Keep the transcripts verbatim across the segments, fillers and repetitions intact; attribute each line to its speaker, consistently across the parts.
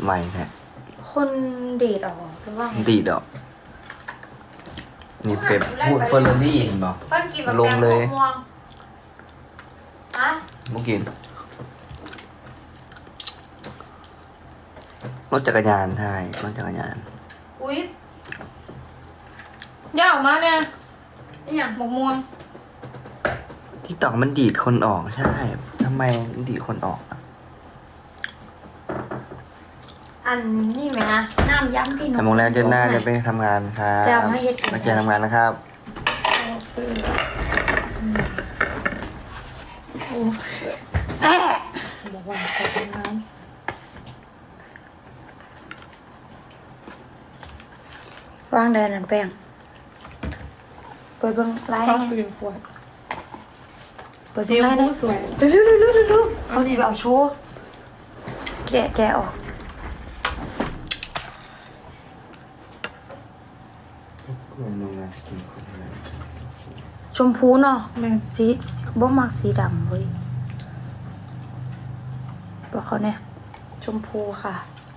Speaker 1: ใหม่แท้
Speaker 2: คนดีดออกหรือว่า
Speaker 1: ดีดออกนี่เป็ดพูดเฟอร์รารี่เห็นบอกลงเลย
Speaker 2: อะ
Speaker 1: เมื่อกี้รถจักรยานใช่รถจักรยาน
Speaker 2: อุ้ย
Speaker 3: ย่าออกมาเนี่ย
Speaker 2: นี่อย่าง
Speaker 3: หมกม่วง
Speaker 1: ที่ตอกมันดีดคนออกใช่ทำไมดีดคนออก
Speaker 2: อันนี่ไหมนะน้ำย้ำพี่หนุ่
Speaker 1: มโมงแล้วเดือนหน้าจะไปทำงานครับ
Speaker 2: จะไม่เฮ็ด
Speaker 1: มาเจอทำงานนะครับ
Speaker 2: ซื้อโอ้แอะบอกว่าขอทำงานวางแดนนั่นแป้งเปิดเบิ้งไลน์
Speaker 3: เขา
Speaker 2: ไง
Speaker 3: คือขวด
Speaker 2: เปิดเบิ้งไลน์ได้
Speaker 3: สวย
Speaker 2: เร็วเร็วเร็วเร็วเร็วเขาสิเอาโชว์แกะแกะออกชมพูเนาะ
Speaker 3: แม่
Speaker 2: สีบ่มักสีดำเว้ยบอกเขาเนี่ยชมพูค่ะ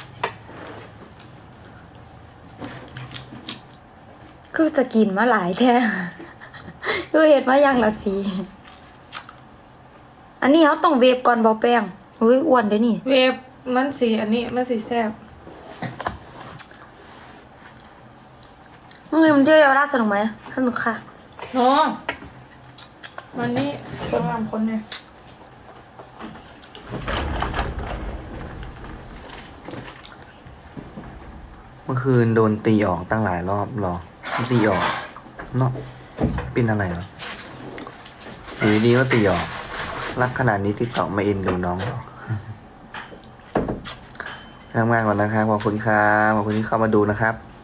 Speaker 2: คือจะกินมาหลายแท้คือเห็ดมาอย่างละสีอันนี้เขาต้องเวฟก่อนบอแป้งอุ้ยอ้วนเด้อนี่
Speaker 3: เวฟมันสีอันนี้มันสีแซ่บ
Speaker 2: มึงลืมเที่ยวเยาวราชสนุกไหมสนุกค่ะ
Speaker 3: น้องวันนี้คนทำคนเนี่ย
Speaker 1: เมื่อคืนโดนตีออกตั้งหลายรอบหรอตีออกเนาะเป็นอะไรหรออยู่ดีๆก็ตีออกรักขนาดนี้ติดต่อมาเอ็นดูน้องหรอทำงานก่อนนะครับขอบคุณครับขอบคุณที่เข้ามาดูนะครับ